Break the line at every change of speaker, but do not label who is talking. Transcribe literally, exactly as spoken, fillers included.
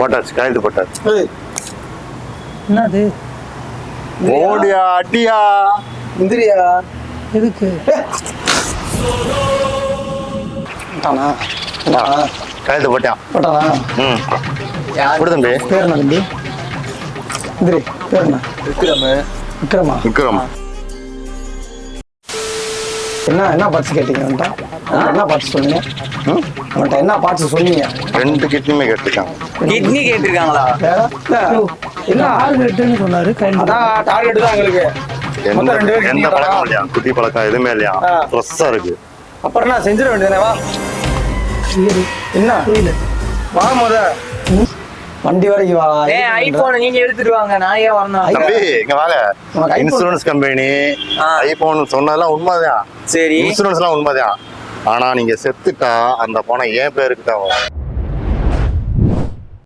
போட்டாச்சு, கையெழுத்து போட்டாச்சு.
என்னது?
ஓடியா அடியா
முந்திரியா
எதுக்கு?
கையெழுத்து போட்டான்.
போட்டானா?
ம் கொடு தம்பி.
பேர் என்ன தம்பி? முந்திரி பேர் என்ன?
விக்ரம்.
விக்ரமா?
விக்ரம்.
என்ன என்ன பார்ட்ஸ் கேட்டீங்க அவன்கிட்ட? என்ன பார்ட்ஸ் சொன்னீங்க? அவன்கிட்ட என்ன பார்ட்ஸ் சொன்னீங்க?
ரெண்டு கிட்னியுமே கேட்டுருக்காங்க.
கிட்னி கேட்டிருக்காங்களா?
வேற
என்ன டார்கெட்னு சொன்னாரு. கையில்
அதான் டார்கெட் தான் எங்களுக்கு.
எந்த எந்த பழக்கம் இல்லையா, குட்டி பழக்கம் எதுவுமே இல்லையா, ஃப்ரெஷ்ஷா இருக்கு.
அப்புறம் என்ன செஞ்சிட வேண்டியதானே? வா. என்ன
புரியல.
வா முத வண்டி வரைக்கும் வா.
ஏய் ஐபோன் நீங்க எடுத்துட்டு வாங்க, நான் ஏன் வரணும்?
தம்பி இங்க வாங்க.
உனக்கு iPhone-
இன்சூரன்ஸ் கம்பெனி ஐபோன் சொன்னதெல்லாம் உண்மைதான்.
சரி
இன்சூரன்ஸ் எல்லாம் உண்மைதான். ஆனா நீங்க செத்துட்டா அந்த பணம் என் பேருக்கு தான் வரும்.